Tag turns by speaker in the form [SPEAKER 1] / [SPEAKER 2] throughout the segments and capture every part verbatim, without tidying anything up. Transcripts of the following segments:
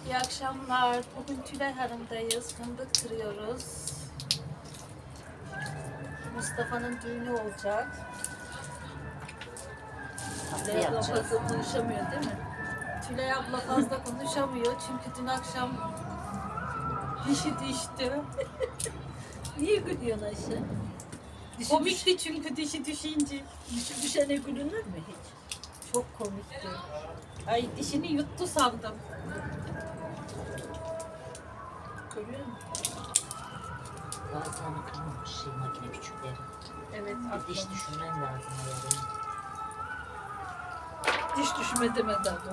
[SPEAKER 1] İyi akşamlar. Bugün Tülay Hanım'dayız. Fındık kırıyoruz. Mustafa'nın düğünü olacak. Tülay abla fazla konuşamıyor değil mi? Tülay abla fazla konuşamıyor çünkü dün akşam dişi düştü. Niye gülüyorsun Ayşe? Dişi komikti düş... çünkü dişi düşünce. Dişi düşene gülünür mü hiç? Çok komikti. Ay dişini yuttu sandım. Görüyor musun?
[SPEAKER 2] Bazılarını kırmamış şey makine küçükleri.
[SPEAKER 1] Evet.
[SPEAKER 2] Bir diş düşünmem lazım yani.
[SPEAKER 1] Diş düşme demedi abla.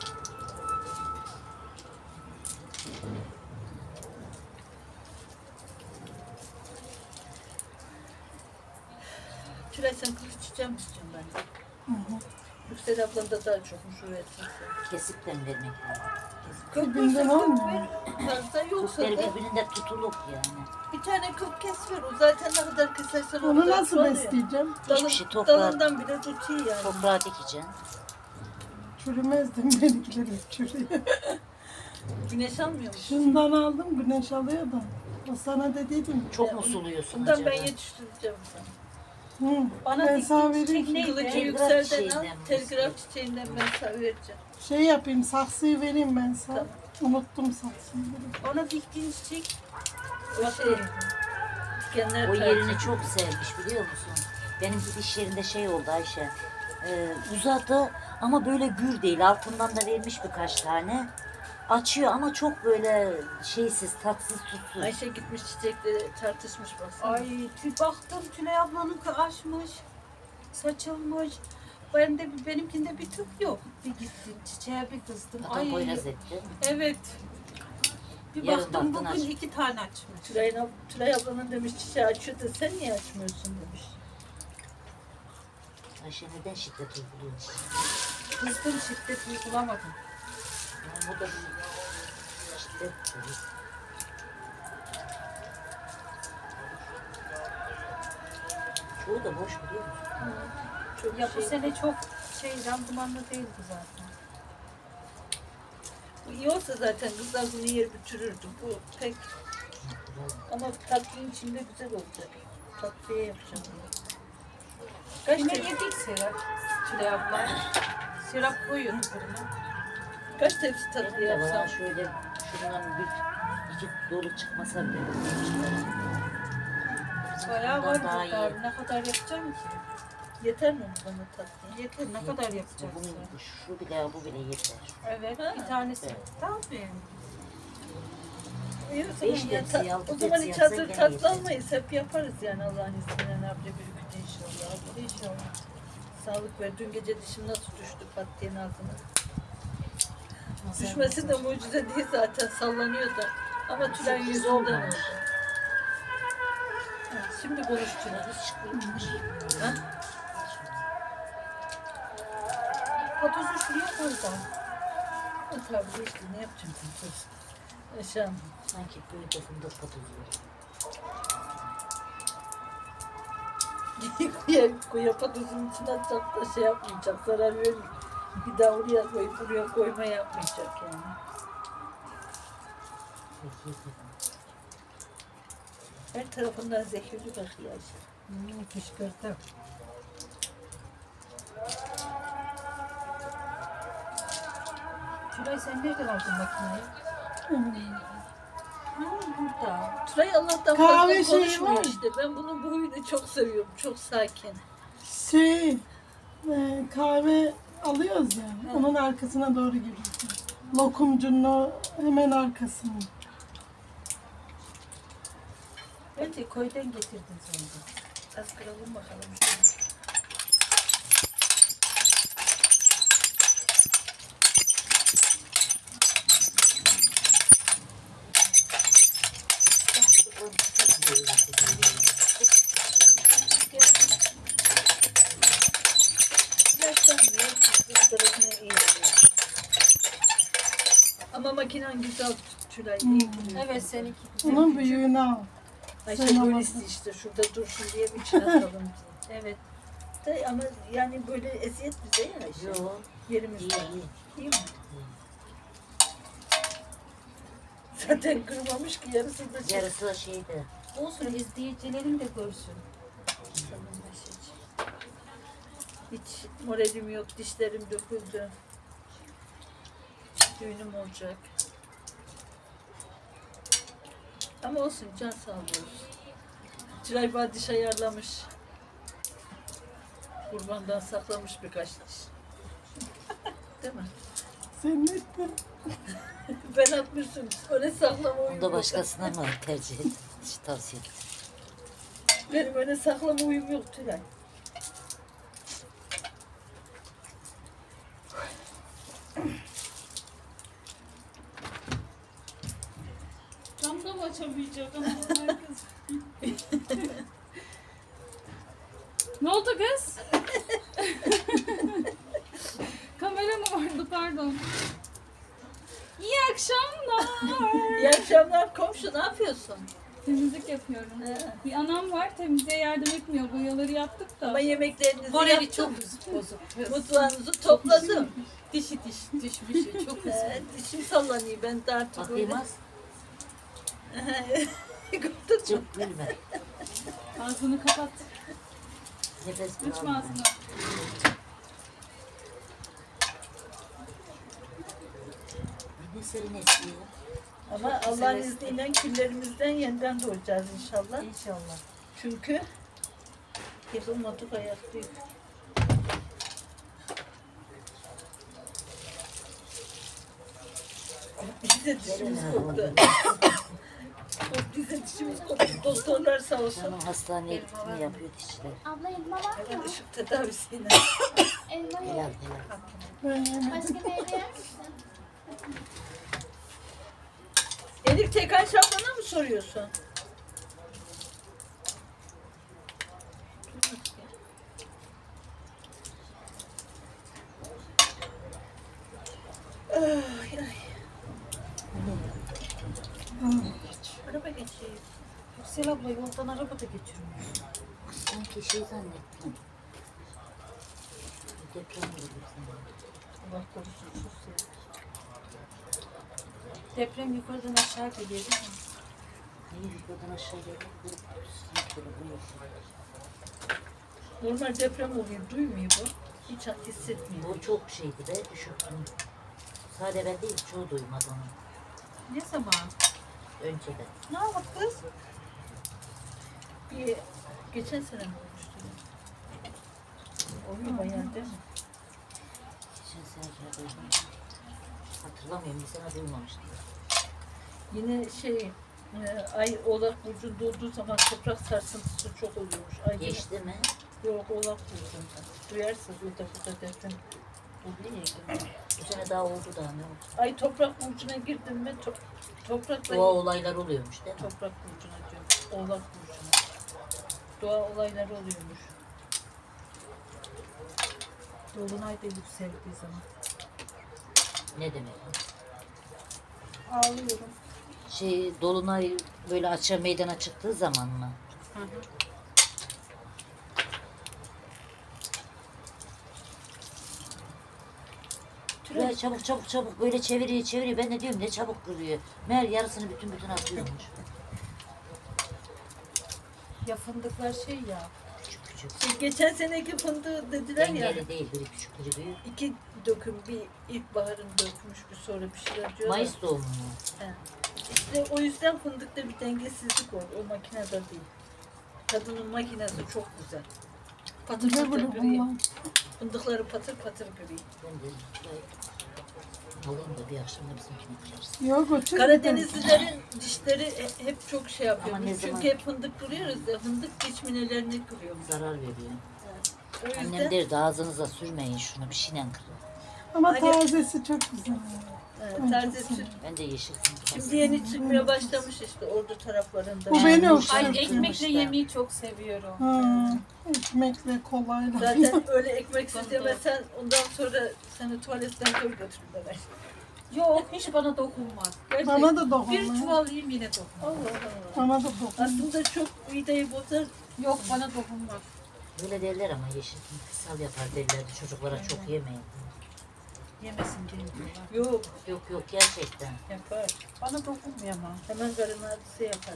[SPEAKER 1] Tülay sen kılıç çiçeği mi istiyorsun bence? Hı hı. Yüksel ablan da daha çok muşur etsin.
[SPEAKER 2] Kesip de mi vermek lazım?
[SPEAKER 1] Kökünden olmuyor. Varsa yoksa
[SPEAKER 2] Kökleri
[SPEAKER 1] da
[SPEAKER 2] birbirinde tutulup yani.
[SPEAKER 1] bir tane kök kes ver. O zaten ne kadar kesersen o
[SPEAKER 3] Onu
[SPEAKER 1] kadar
[SPEAKER 3] nasıl
[SPEAKER 1] oluyor.
[SPEAKER 3] besleyeceğim?
[SPEAKER 2] Hiçbir şey toprağa,
[SPEAKER 1] Dalından bile tutuyor yani.
[SPEAKER 2] toprağa dikeceksin.
[SPEAKER 3] Çürümezdim benimkileri çürüyor.
[SPEAKER 1] Güneş almıyor musun?
[SPEAKER 3] Şundan aldım güneş alıyor da. O sana dediydim.
[SPEAKER 2] Çok mu suluyorsun
[SPEAKER 1] Bundan
[SPEAKER 2] acaba?
[SPEAKER 1] ben yetiştireceğim sana.
[SPEAKER 3] Hı.
[SPEAKER 1] Bana
[SPEAKER 3] Ben sana
[SPEAKER 1] diktiğin
[SPEAKER 3] vereyim.
[SPEAKER 1] çiçek neydi?
[SPEAKER 2] Telgraf
[SPEAKER 1] Yükselden al.
[SPEAKER 2] çiçeğinden mi
[SPEAKER 1] Telgraf çiçeğinden ben sana vereceğim.
[SPEAKER 3] Şey yapayım saksıyı vereyim ben sana.
[SPEAKER 1] Tamam.
[SPEAKER 3] Unuttum saksıyı.
[SPEAKER 1] Ona diktiğin çiçek o şey. Dikenler
[SPEAKER 2] O
[SPEAKER 1] tercih.
[SPEAKER 2] yerini çok sevmiş biliyor musun? Benim bir iş yerinde şey oldu Ayşe. Ee, uzadı ama böyle gür değil. Altından da vermiş birkaç tane. Açıyor ama çok böyle şeysiz, tatsız, tutsuz.
[SPEAKER 1] Ayşe gitmiş çiçekleri tartışmış baksana.
[SPEAKER 4] Ay tü- baktım Tülay ablanınki açmış, saçılmış. Ben de benimkinde bir tüp yok. Bir gittim çiçeğe bir kızdım.
[SPEAKER 2] Hatta
[SPEAKER 4] Ay
[SPEAKER 2] boyraz etti.
[SPEAKER 4] evet. Bir
[SPEAKER 2] Yarın
[SPEAKER 4] baktım
[SPEAKER 2] baktın
[SPEAKER 4] bugün
[SPEAKER 2] aç.
[SPEAKER 4] iki tane açmış.
[SPEAKER 1] Tülay, ab- Tülay ablanın demiş çiçeği açıyor da sen niye açmıyorsun demiş.
[SPEAKER 2] Ayşe neden şiddet uyguluyorsun?
[SPEAKER 4] Kızdım şiddet uygulamadım.
[SPEAKER 2] Yani o da bir şiddet tabii. Çoğu da boş biliyor musun?
[SPEAKER 1] Çok
[SPEAKER 4] Ya bu
[SPEAKER 1] şey-
[SPEAKER 4] sene çok şey randımanlı değildi zaten.
[SPEAKER 1] Bu iyi olsa zaten kızlar bunu yer bitirirdi. Bu pek ama tatlının içinde güzel olacak. Tatlıya yapacağım bunu. Kaç
[SPEAKER 4] Yine
[SPEAKER 1] tepsi,
[SPEAKER 4] yedik Serap. Tülay abla. Serap koyuyordu fırına.
[SPEAKER 1] kaç tepsi tatlı
[SPEAKER 2] Benim de bana
[SPEAKER 1] yapsam?
[SPEAKER 2] şöyle şundan bir iki dolu çıkmasa bile.
[SPEAKER 4] Bayağı
[SPEAKER 2] Bundan
[SPEAKER 4] var
[SPEAKER 2] daha
[SPEAKER 4] burada.
[SPEAKER 2] iyi.
[SPEAKER 4] Ne kadar yapacağım ki?
[SPEAKER 1] Yeter mi bana tatlı?
[SPEAKER 4] Yeter ne kadar yapacaksın?
[SPEAKER 2] Bunun, şu bile bu bile yeter.
[SPEAKER 4] Evet,
[SPEAKER 1] Ha.
[SPEAKER 4] bir tanesi.
[SPEAKER 2] Evet.
[SPEAKER 4] Tabii.
[SPEAKER 1] İyi o
[SPEAKER 2] Beş
[SPEAKER 1] zaman, ya,
[SPEAKER 2] tepsi,
[SPEAKER 1] ta-
[SPEAKER 2] altı
[SPEAKER 1] o zaman
[SPEAKER 2] tepsi
[SPEAKER 1] hiç
[SPEAKER 2] yapsan
[SPEAKER 1] hazır
[SPEAKER 2] gene
[SPEAKER 1] tatlı
[SPEAKER 2] yeter.
[SPEAKER 1] almayız. Hep yaparız yani Allah'ın izniyle. Ne yapacak bir gün inşallah. Hadi inşallah. Sağlık ver. Dün gece dişim nasıl düştü pat diye ağzına. Düşmesi de mucize değil zaten. Sallanıyor da. Ama Tülay
[SPEAKER 2] Sürpriz
[SPEAKER 1] yüzünden oldu.
[SPEAKER 2] olmamış.
[SPEAKER 1] Ha, şimdi konuş Tülay.
[SPEAKER 2] Hiç çıkmış.
[SPEAKER 1] Ha?
[SPEAKER 4] Patosu şuraya koy da.
[SPEAKER 1] Ha, tabii işte ne yapacağım ben? Yaşam.
[SPEAKER 2] Sanki böyle de fındık patozu.
[SPEAKER 1] Kuya, kuya patozun içine atacak da şey yapmayacak. Zarar verir. Bir daha oraya koy, buraya koyma yapmayacak yani. Her tarafından zehirli bakıyor Ayşe.
[SPEAKER 4] Hmm, kışkırtı. Tülay sen nereden aldın makineyi? Hmm, burada.
[SPEAKER 1] Tülay Allah'tan
[SPEAKER 3] Kahve
[SPEAKER 1] fazla
[SPEAKER 3] şeyi
[SPEAKER 1] konuşmuyor
[SPEAKER 3] var.
[SPEAKER 1] işte. Ben bunun bu huyunu çok seviyorum. Çok sakin.
[SPEAKER 3] Şey e, kahve alıyoruz ya. Onun arkasına doğru giriyorsun. Lokumcunun o hemen arkasına.
[SPEAKER 4] Bence köyden getirdin sen de.
[SPEAKER 1] Az kıralım bakalım. Yaşlanmıyor. Bu tarafına iyi oluyor. Ama makinen güzel Tülay. iyi duruyor.
[SPEAKER 4] Evet seninki güzel.
[SPEAKER 3] Onun büyüğünü al.
[SPEAKER 1] Ayşe
[SPEAKER 3] Sen
[SPEAKER 1] böyle
[SPEAKER 3] alasın.
[SPEAKER 1] işte şurada dursun diye bir içine atalım.
[SPEAKER 4] Evet.
[SPEAKER 1] De, ama yani böyle eziyet bize ya Ayşe.
[SPEAKER 2] Yok.
[SPEAKER 1] Yerimiz
[SPEAKER 2] İyi
[SPEAKER 1] var.
[SPEAKER 2] iyi.
[SPEAKER 1] İyi mi? zaten kırmamış ki yarısı da şey.
[SPEAKER 2] Yarısı da şeydi.
[SPEAKER 4] Olsun izleyicilerin de görsün.
[SPEAKER 1] Hiç moralim yok, dişlerim döküldü. Düğünüm olacak. Ama olsun, can sağ olsun. Tülay bana diş ayarlamış. Kurbandan saklamış birkaç diş. Değil mi?
[SPEAKER 3] Senin ettin.
[SPEAKER 1] Ben atmışım. Öyle saklama uyum
[SPEAKER 2] Bunu da
[SPEAKER 1] yok.
[SPEAKER 2] başkasına mı tercih et? Hiç tavsiye et.
[SPEAKER 1] Benim öyle saklama uyum yok Tülay.
[SPEAKER 5] Cam da mı açamayacak ama kız. Ne oldu kız? Kamera mı vardı pardon. İyi akşamlar.
[SPEAKER 1] İyi akşamlar komşu, ne yapıyorsun?
[SPEAKER 5] Temizlik yapıyorum.
[SPEAKER 1] He.
[SPEAKER 5] Bir anam var temizliğe yardım etmiyor. Boyaları yaptık da.
[SPEAKER 1] Ama yemeklerinizi
[SPEAKER 4] Morali
[SPEAKER 1] yaptım.
[SPEAKER 4] çok bozuk.
[SPEAKER 1] Mutfağınızı topladım.
[SPEAKER 4] Dişi diş düşmüş. Çok üzüldüm.
[SPEAKER 1] Ee, dişim sallanıyor, ben de artık
[SPEAKER 2] Bakayım
[SPEAKER 1] öyle.
[SPEAKER 2] az.
[SPEAKER 1] Gördün mü?
[SPEAKER 2] Çok gülme.
[SPEAKER 5] Ağzını kapat.
[SPEAKER 2] Nefes
[SPEAKER 5] Açma
[SPEAKER 2] al.
[SPEAKER 5] ağzını.
[SPEAKER 2] Ne serin esiyor.
[SPEAKER 1] Ama Allah'ın izniyle küllerimizden yeniden doğacağız inşallah.
[SPEAKER 4] İnşallah.
[SPEAKER 1] Çünkü yıkılmadık, ayaktayız. Bize dişimiz koptu. Bize dişimiz koptu. Doktorlar sağ olsun.
[SPEAKER 2] Canım hastaneye gittim yapıyor dişçiler.
[SPEAKER 6] Abla elma var
[SPEAKER 1] Evet,
[SPEAKER 6] mı?
[SPEAKER 1] ışık tedavisiyle.
[SPEAKER 6] Elma
[SPEAKER 2] Helal
[SPEAKER 6] yok.
[SPEAKER 2] helal.
[SPEAKER 3] Ben yemedim.
[SPEAKER 6] Başka meyve yer misin?
[SPEAKER 1] Elif Tekan Şaban'a mı soruyorsun? Ay, ay. Araba geçiyor.
[SPEAKER 4] Yüksel abla yoldan araba da geçirmiş.
[SPEAKER 2] Sanki şey zannettim. Deprem olur sanırım.
[SPEAKER 1] Allah korusun sus ya.
[SPEAKER 4] Deprem yukarıdan aşağı geliyor değil mi?
[SPEAKER 2] Niye yukarıdan aşağı geliyor? Bu sanki böyle bu yok.
[SPEAKER 1] Normal deprem oluyor, duymuyor bu. Hiç hissetmiyor.
[SPEAKER 2] Bu çok şeydi be düşüktüm. Sadece ben değil çoğu duymadı onu.
[SPEAKER 4] Ne zaman?
[SPEAKER 2] Önceden.
[SPEAKER 4] Ne yaptık kız?
[SPEAKER 1] Bir, geçen sene mi olmuştu? Oluyor bayağı değil mi?
[SPEAKER 2] Geçen sene kere duydum. Hatırlamıyorum bir sene duymamıştım.
[SPEAKER 1] Yine şey, e, ay oğlak burcunda olduğu zaman toprak sarsıntısı çok oluyormuş. Ay
[SPEAKER 2] Geçti mi?
[SPEAKER 1] Yok, oğlak burcunda. Duyarsınız burada burada deprem oluyor ya.
[SPEAKER 2] Bu sene daha oldu daha ne oldu?
[SPEAKER 1] Ay toprak burcuna girdim mi to toprakla
[SPEAKER 2] Doğa olaylar oluyormuş değil mi?
[SPEAKER 1] toprak burcuna diyorum. Oğlak burcuna. Doğa olayları oluyormuş.
[SPEAKER 4] Dolunay da yükseldiği zaman.
[SPEAKER 2] Ne demek?
[SPEAKER 1] Ağlıyorum.
[SPEAKER 2] Şey dolunay böyle açığa meydana çıktığı zaman mı?
[SPEAKER 4] Hı hı.
[SPEAKER 2] Tülay çabuk çabuk çabuk böyle çeviriyor çeviriyor. Ben de diyorum ne çabuk kırıyor. Meğer yarısını bütün bütün atıyormuş.
[SPEAKER 4] Ya fındıklar şey ya.
[SPEAKER 2] Küçük küçük.
[SPEAKER 1] Şey, geçen seneki fındığı dediler ya.
[SPEAKER 2] Dengeli değil biri küçük biri büyük.
[SPEAKER 1] İki döküm, bir ilkbaharın dökmüş, bir sonra bir şeyler diyorlar.
[SPEAKER 2] Mayıs doğumlu mu?
[SPEAKER 1] He. İşte o yüzden fındıkta bir dengesizlik oldu. O makinede değil. Kadının makinesi çok güzel. Patır
[SPEAKER 3] Ne
[SPEAKER 1] patır
[SPEAKER 3] böyle
[SPEAKER 1] gri.
[SPEAKER 3] bunlar?
[SPEAKER 1] Fındıkları patır patır gri.
[SPEAKER 2] Ben de Tülay alayım da bir akşam da bizimkine kırarsın.
[SPEAKER 3] Yok o çok
[SPEAKER 1] Karadenizlilerin dişleri he- hep çok şey yapıyor.
[SPEAKER 2] Ama ne
[SPEAKER 1] Çünkü
[SPEAKER 2] zaman-
[SPEAKER 1] hep fındık kırıyoruz ya, fındık diş minelerini kırıyormuş.
[SPEAKER 2] Zarar veriyor.
[SPEAKER 1] O yüzden
[SPEAKER 2] Annem derdi ağzınıza sürmeyin şunu bir şeyle kırın.
[SPEAKER 3] Ama
[SPEAKER 1] Hani-
[SPEAKER 3] tazesi çok güzel.
[SPEAKER 1] e, taze süt.
[SPEAKER 2] Ben de yeşil
[SPEAKER 1] Şimdi yeni çıkmaya başlamış işte ordu taraflarında.
[SPEAKER 3] Bu beni
[SPEAKER 5] Ay
[SPEAKER 3] hoşlanıyor.
[SPEAKER 5] ekmekle yemeği çok seviyorum.
[SPEAKER 3] Ha, ekmekle kolayla.
[SPEAKER 1] Zaten öyle ekmeksiz yemesen ondan sonra seni tuvaletten koy götürürler.
[SPEAKER 4] Yok hiç bana dokunmaz.
[SPEAKER 1] Gerçekten.
[SPEAKER 3] Bana da
[SPEAKER 4] Bir
[SPEAKER 3] dokunma.
[SPEAKER 4] çuval yiyeyim yine dokunmaz.
[SPEAKER 1] Allah Allah.
[SPEAKER 3] Bana da dokunma.
[SPEAKER 1] Aslında çok mideyi bozar.
[SPEAKER 4] Yok bana dokunmaz.
[SPEAKER 2] Böyle derler ama yeşil sal yapar derlerdi çocuklara çok yemeyin.
[SPEAKER 4] Yemesin diye diyorlar.
[SPEAKER 1] Yok
[SPEAKER 2] Yok yok gerçekten.
[SPEAKER 1] yapar.
[SPEAKER 4] Bana dokunmuyor ama.
[SPEAKER 1] Hemen karın ağrısı yapar.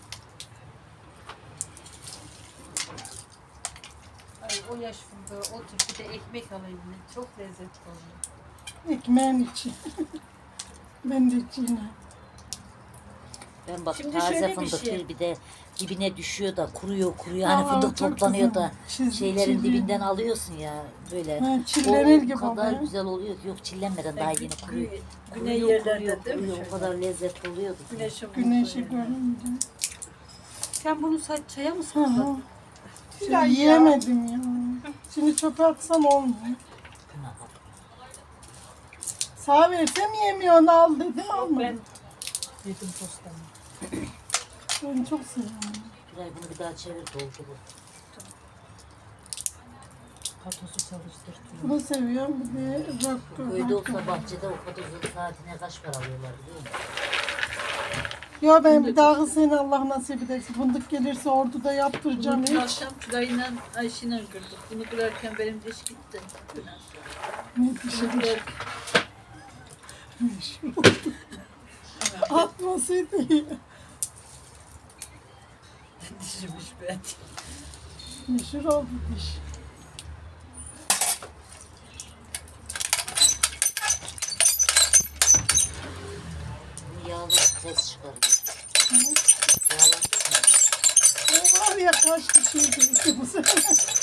[SPEAKER 4] Ay o yaş fındığı otur bir de ekmek alayım ben. Çok lezzetli oluyor.
[SPEAKER 3] Ekmeğin içi. Ben de içine.
[SPEAKER 2] Ben bak
[SPEAKER 1] Şimdi
[SPEAKER 2] taze
[SPEAKER 1] şöyle bir
[SPEAKER 2] fındık
[SPEAKER 1] şey.
[SPEAKER 2] bir, bir de dibine düşüyor da kuruyor kuruyor. Hani
[SPEAKER 3] Aa,
[SPEAKER 2] fındık
[SPEAKER 3] çok
[SPEAKER 2] toplanıyor
[SPEAKER 3] güzel.
[SPEAKER 2] da
[SPEAKER 3] Çiz-
[SPEAKER 2] şeylerin
[SPEAKER 3] çizi-
[SPEAKER 2] dibinden alıyorsun ya böyle.
[SPEAKER 3] Ha, çillenir
[SPEAKER 2] o
[SPEAKER 3] gibi
[SPEAKER 2] kadar
[SPEAKER 3] oluyor.
[SPEAKER 2] güzel oluyor ki yok çillenmeden daha yeni kuruyor.
[SPEAKER 1] Gü- Güney
[SPEAKER 2] Kuruyor,
[SPEAKER 1] yerlerde
[SPEAKER 2] kuruyor,
[SPEAKER 1] değil mi?
[SPEAKER 2] kuruyor. O kadar lezzetli oluyordu. ki.
[SPEAKER 1] Güneşin
[SPEAKER 3] Güneşi
[SPEAKER 1] vurduğu yerler.
[SPEAKER 3] görünce.
[SPEAKER 4] Sen bunu sa- çaya mı
[SPEAKER 3] Hı
[SPEAKER 4] sakladın?
[SPEAKER 3] hı. Ya yiyemedim ya. Şimdi çöpe atsam olmuyor.
[SPEAKER 2] Buna bak.
[SPEAKER 3] Sağ versem yemiyorsun al dedim almadım.
[SPEAKER 1] Ben yedim postamı.
[SPEAKER 3] Ben çok seviyorum.
[SPEAKER 2] Tülay bunu bir daha çevir doldur.
[SPEAKER 1] Patosu çalıştır.
[SPEAKER 3] Bunu seviyorum. Bir de rock.
[SPEAKER 2] Köyde
[SPEAKER 3] rock.
[SPEAKER 2] olsa bahçede o patozun saatine kaç para alıyorlar biliyor musun?
[SPEAKER 3] Ya ben bir daha seni Allah nasip ederse fındık gelirse orduda yaptıracağım
[SPEAKER 1] Bunu dün
[SPEAKER 3] hiç.
[SPEAKER 1] akşam Tülay'la Ayşe'yle kırdık. Bunu kırarken benim diş gitti. Dün akşam.
[SPEAKER 3] Ne
[SPEAKER 1] Bunu
[SPEAKER 3] dişim.
[SPEAKER 1] kırarken
[SPEAKER 3] Atmasıydı iyi.
[SPEAKER 1] dişmiş ben.
[SPEAKER 3] Meşhur oldu diş.
[SPEAKER 2] Bu yağlı ses çıkarıyor. Yağlanacak mı?
[SPEAKER 3] O var ya kaç kişiydi işte bu sene.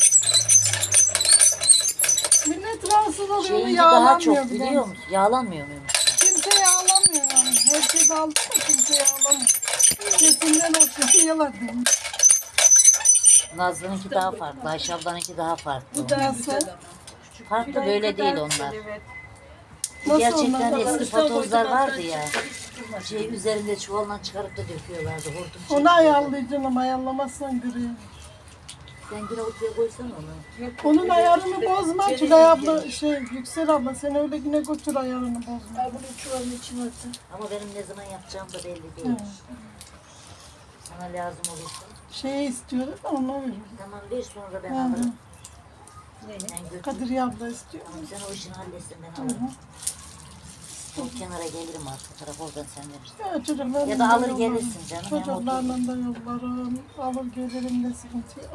[SPEAKER 3] Millet rahatsız oluyor
[SPEAKER 2] Şeyinki daha çok
[SPEAKER 3] yağlanmıyor bile.
[SPEAKER 2] biliyor musun? Yağlanmıyor muymuş?
[SPEAKER 3] Kimse yağlamıyor yani. Herkes aldı mı kimse yağlamıyor. Sesinden hoşlanıyorlar demiş.
[SPEAKER 2] Nazlı'nınki daha farklı. Ayşe ablanınki daha farklı.
[SPEAKER 1] Bu daha
[SPEAKER 3] Nasıl?
[SPEAKER 1] güzel ama.
[SPEAKER 2] Farklı
[SPEAKER 4] Tülay
[SPEAKER 2] böyle
[SPEAKER 4] kadar
[SPEAKER 2] değil
[SPEAKER 4] güzel,
[SPEAKER 2] onlar.
[SPEAKER 4] Evet.
[SPEAKER 3] Nasıl
[SPEAKER 2] Gerçekten
[SPEAKER 3] onlar?
[SPEAKER 2] eski
[SPEAKER 1] Mustafa
[SPEAKER 2] patozlar
[SPEAKER 1] kocaman
[SPEAKER 2] vardı ya.
[SPEAKER 1] çıktı, hiç kırmadı.
[SPEAKER 2] Şey üzerinde çuvaldan çıkarıp da döküyorlardı. Hortum
[SPEAKER 3] Onu
[SPEAKER 2] çekiyordu.
[SPEAKER 3] ayarlayacaksın ama ayarlamazsan görüyor.
[SPEAKER 2] Sen yine ortaya koysan onu.
[SPEAKER 1] Yok,
[SPEAKER 3] Onun
[SPEAKER 1] öyle
[SPEAKER 3] ayarını
[SPEAKER 1] işte.
[SPEAKER 3] bozma.
[SPEAKER 1] Beni
[SPEAKER 3] Tülay abla
[SPEAKER 1] ilgilenir.
[SPEAKER 3] şey Yüksel abla sen öyle yine götür ayarını bozma.
[SPEAKER 1] Al bunu çuvalın içine atın.
[SPEAKER 2] Ama benim ne zaman yapacağım da belli değil.
[SPEAKER 3] Evet.
[SPEAKER 2] Sana lazım olursa.
[SPEAKER 3] Şeyi istiyoruz da ona veririm.
[SPEAKER 2] Tamam ver sonra ben
[SPEAKER 3] Hı hı.
[SPEAKER 2] alırım.
[SPEAKER 1] Neyi?
[SPEAKER 2] Ben götür.
[SPEAKER 3] Kadriye abla istiyor.
[SPEAKER 2] Tamam sen o işini halletsin ben
[SPEAKER 3] Hı
[SPEAKER 2] alırım.
[SPEAKER 3] hı.
[SPEAKER 2] O kenara gelirim arka tarafa oradan sen verirsin.
[SPEAKER 3] Ya çocuklarla
[SPEAKER 2] Ya da alır
[SPEAKER 3] yollarım.
[SPEAKER 2] gelirsin canım, hem
[SPEAKER 3] Çocuklarla da yollarım. Alır gelirim de sıkıntı yok.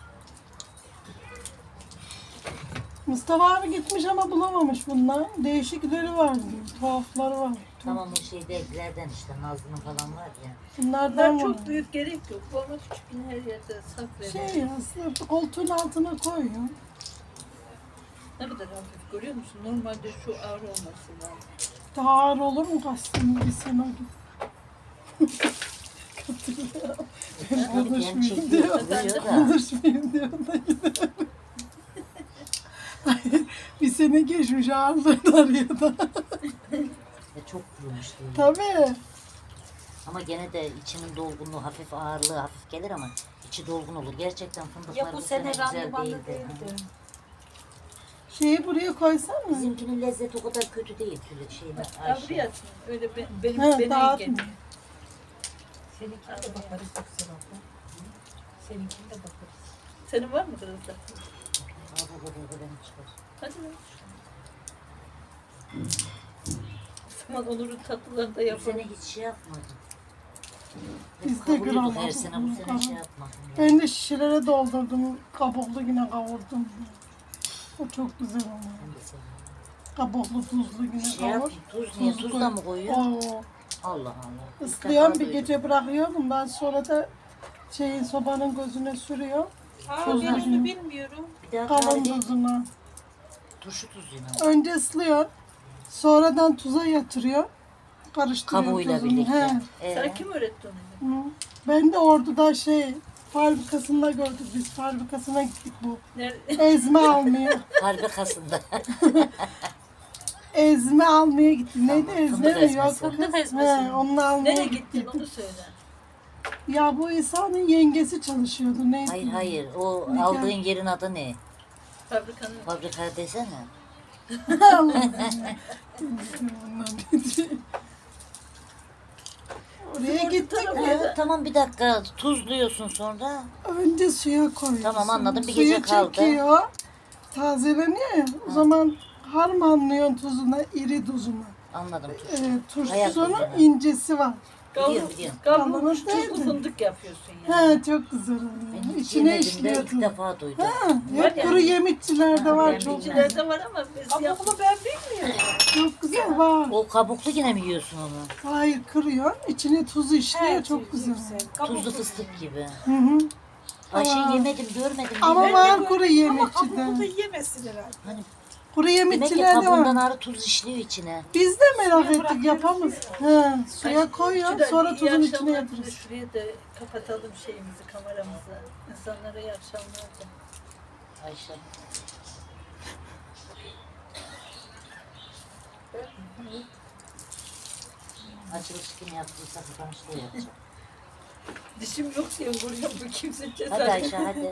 [SPEAKER 3] Mustafa abi gitmiş ama bulamamış bunlar. Değişikleri var diyor. Tuhafları var.
[SPEAKER 2] Tamam o şeydekilerden işte Nazlı'nın falan var ya.
[SPEAKER 3] Bunlardan
[SPEAKER 1] Bunlar
[SPEAKER 3] var.
[SPEAKER 1] çok büyük gerek yok. Bu ama küçük yine her yerde saklayalım.
[SPEAKER 3] Şey ya sırf koltuğun altına koyuyor.
[SPEAKER 1] Ne kadar hafif görüyor musun? Normalde şu ağır olması lazım.
[SPEAKER 3] Daha ağır olur mu kastım bir sene gibi. Katılıyor. Ben
[SPEAKER 2] Tabii hem
[SPEAKER 3] konuşmayayım
[SPEAKER 2] çekiyor
[SPEAKER 3] diyor.
[SPEAKER 2] vuruyor da.
[SPEAKER 3] Konuşmayayım diyor da gidelim. Hayır, bir sene geçmiş ağırlığını arıyor da.
[SPEAKER 2] Ve çok kurumuş değil.
[SPEAKER 3] Tabii.
[SPEAKER 2] Ama gene de içinin dolgunluğu hafif ağırlığı hafif gelir ama içi dolgun olur. Gerçekten fındıklar
[SPEAKER 4] Ya bu sene
[SPEAKER 2] güzel
[SPEAKER 4] randımanlı
[SPEAKER 2] değildi.
[SPEAKER 4] değildi.
[SPEAKER 3] Şeyi buraya koysan mı?
[SPEAKER 2] Bizimkinin lezzeti o kadar kötü değil Tülay şeyin
[SPEAKER 1] Al
[SPEAKER 2] Ayşe.
[SPEAKER 1] buraya atın. Öyle be, benim
[SPEAKER 3] He,
[SPEAKER 1] benim
[SPEAKER 3] dağıtma.
[SPEAKER 1] ilgim.
[SPEAKER 4] Seninkine de bakarız Yüksel abla. Seninkine de bakarız.
[SPEAKER 1] Senin var mı kızım?
[SPEAKER 2] Al bu kadar da benim çıkar.
[SPEAKER 1] Hadi lan. O zaman Onur'un tatlılarını da
[SPEAKER 2] Bu
[SPEAKER 1] yapalım.
[SPEAKER 2] sene hiç şey yapmadım.
[SPEAKER 3] Biz
[SPEAKER 2] Hep
[SPEAKER 3] de
[SPEAKER 2] kavuruyorduk
[SPEAKER 3] gram
[SPEAKER 2] her sene bu
[SPEAKER 3] aldık.
[SPEAKER 2] sene şey yapmadım. ya.
[SPEAKER 3] Ben de şişelere doldurdum. Kabuklu yine kavurdum. O çok güzel oluyor.
[SPEAKER 2] Ben de seviyorum.
[SPEAKER 3] Kabuklu tuzlu yine
[SPEAKER 2] Şey yap,
[SPEAKER 3] kavur.
[SPEAKER 2] tuz niye? Tuz da mı koyuyor?
[SPEAKER 3] Oo.
[SPEAKER 2] Allah Allah.
[SPEAKER 3] Islayan
[SPEAKER 2] İlk
[SPEAKER 3] bir
[SPEAKER 2] defa
[SPEAKER 3] gece bırakıyorum. Ben sonra da şeyin sobanın gözüne sürüyor.
[SPEAKER 4] Aa,
[SPEAKER 3] Tuzlu
[SPEAKER 4] ben
[SPEAKER 3] yine.
[SPEAKER 4] onu bilmiyorum.
[SPEAKER 2] duydum. Bir daha
[SPEAKER 3] Kalın
[SPEAKER 2] tarifi
[SPEAKER 3] tuzuna.
[SPEAKER 2] turşu tuzuyla.
[SPEAKER 3] Önce ıslıyor. Sonradan tuza yatırıyor. Karıştırıyor
[SPEAKER 2] Kabuğuyla
[SPEAKER 3] tuzunu.
[SPEAKER 2] birlikte.
[SPEAKER 3] He.
[SPEAKER 2] Ee,
[SPEAKER 1] Sana kim öğretti onu?
[SPEAKER 3] Hı. Ben de orduda şey fabrikasında gördük biz. Fabrikasına gittik bu.
[SPEAKER 1] Nerede?
[SPEAKER 3] Ezme almaya.
[SPEAKER 2] Fabrikasında.
[SPEAKER 3] Ezme almaya gittim. Neydi
[SPEAKER 2] Tamam,
[SPEAKER 3] ezme
[SPEAKER 2] fındık
[SPEAKER 3] mi?
[SPEAKER 2] ezmesi.
[SPEAKER 3] Yok,
[SPEAKER 1] Fındık
[SPEAKER 3] He,
[SPEAKER 1] ezmesi.
[SPEAKER 3] onu almaya
[SPEAKER 1] Nereye
[SPEAKER 3] gittik.
[SPEAKER 1] gittin onu söyle.
[SPEAKER 3] Ya bu İsa'nın yengesi çalışıyordu. Neydi?
[SPEAKER 2] Hayır hayır. O
[SPEAKER 3] Nikah.
[SPEAKER 2] aldığın yerin adı ne?
[SPEAKER 1] Fabrikanın.
[SPEAKER 2] Fabrika desene.
[SPEAKER 3] Allah'ım. Ondan dedi. Oraya gittik
[SPEAKER 2] Ee,
[SPEAKER 3] ya.
[SPEAKER 2] tamam bir dakika. Tuzluyorsun sonra.
[SPEAKER 3] Önce suya koyuyorsun.
[SPEAKER 2] Tamam, anladım. Bir
[SPEAKER 3] Suyu
[SPEAKER 2] gece kaldı.
[SPEAKER 3] çekiyor. Tazeleniyor ya. O zaman harmanlıyorsun tuzuna, iri tuzuna.
[SPEAKER 2] Anladım.
[SPEAKER 3] Ee,
[SPEAKER 2] Hayat
[SPEAKER 3] tuzsuz onun
[SPEAKER 2] tuzuna.
[SPEAKER 3] incesi var.
[SPEAKER 2] Biliyorum biliyorum.
[SPEAKER 1] Kavrulmuş
[SPEAKER 3] Kavrulmuş
[SPEAKER 1] tuzlu
[SPEAKER 3] değil mi?
[SPEAKER 1] fındık yapıyorsun yani.
[SPEAKER 3] He çok güzel oluyor.
[SPEAKER 2] Ben hiç
[SPEAKER 3] İçine
[SPEAKER 2] yemedim de
[SPEAKER 3] işliyor
[SPEAKER 2] ilk
[SPEAKER 3] tuz.
[SPEAKER 2] defa duydum.
[SPEAKER 3] Ha,
[SPEAKER 1] Var
[SPEAKER 3] hep
[SPEAKER 1] yani.
[SPEAKER 3] kuru yemişçilerde
[SPEAKER 2] Ha,
[SPEAKER 3] var
[SPEAKER 2] ben
[SPEAKER 3] çok.
[SPEAKER 2] bilmem.
[SPEAKER 1] İçlerde var ama biz
[SPEAKER 4] Ama
[SPEAKER 1] yap.
[SPEAKER 4] bunu ben bilmiyorum.
[SPEAKER 3] Çok güzel var.
[SPEAKER 2] O kabuklu yine mi yiyorsun onu?
[SPEAKER 3] Hayır kırıyor. İçine tuzu işliyor
[SPEAKER 4] Evet,
[SPEAKER 3] çok güzel.
[SPEAKER 2] Tuzlu fıstık gibi.
[SPEAKER 3] Hı hı.
[SPEAKER 2] Ayşe
[SPEAKER 3] Aa.
[SPEAKER 2] yemedim, görmedim.
[SPEAKER 3] Ama
[SPEAKER 2] bilmiyorum.
[SPEAKER 3] var kuru
[SPEAKER 4] Ama
[SPEAKER 3] yemişçide.
[SPEAKER 4] kabuğunu yemesin herhalde.
[SPEAKER 2] Hani
[SPEAKER 3] Kuru
[SPEAKER 2] demek ki
[SPEAKER 3] yemişçilerde
[SPEAKER 2] kabuğundan
[SPEAKER 3] var.
[SPEAKER 2] arı tuz işliyor içine.
[SPEAKER 3] Biz de merak
[SPEAKER 4] Suya
[SPEAKER 3] ettik
[SPEAKER 4] bırakıyoruz
[SPEAKER 3] yapamaz. He, suya koyuyor
[SPEAKER 1] Şurada
[SPEAKER 3] sonra
[SPEAKER 1] iyi
[SPEAKER 3] tuzun
[SPEAKER 1] akşamlar
[SPEAKER 3] içine
[SPEAKER 1] dedi,
[SPEAKER 3] yatırırız.
[SPEAKER 1] Şuraya da kapatalım şeyimizi, kameramızı. İnsanlara iyi akşamlar de.
[SPEAKER 2] Ayşe. Açılış kim yaptıysa kapanışta yapacak.
[SPEAKER 1] Dişim yok diye vuruyorum bu kimse
[SPEAKER 2] Hadi
[SPEAKER 1] cesaret.
[SPEAKER 2] Ayşe hadi.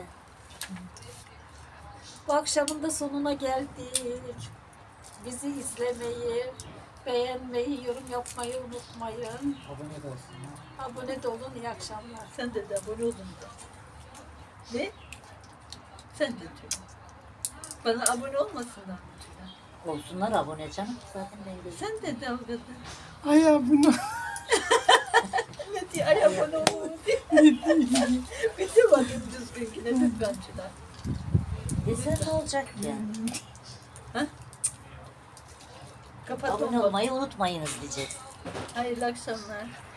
[SPEAKER 1] Bu akşamın da sonuna geldik. Bizi izlemeyi, beğenmeyi, yorum yapmayı unutmayın.
[SPEAKER 2] Abone de olsun. ha.
[SPEAKER 1] Abone de olun. İyi akşamlar. Sen de de abone olun da. Ne? Sen de diyor. Bana abone olmasınlar mı diyor.
[SPEAKER 2] Olsunlar abone canım. Zaten ben de.
[SPEAKER 1] Sen de de abone.
[SPEAKER 3] Ay ya bunu.
[SPEAKER 1] Ne diye ay abone olun diye. Bir de bakın düzgün ki ne lütfenciler.
[SPEAKER 2] Desen ne olacak ki?
[SPEAKER 1] Kapat
[SPEAKER 2] Abone
[SPEAKER 1] olma.
[SPEAKER 2] olmayı unutmayınız diyeceğiz.
[SPEAKER 1] Hayırlı akşamlar.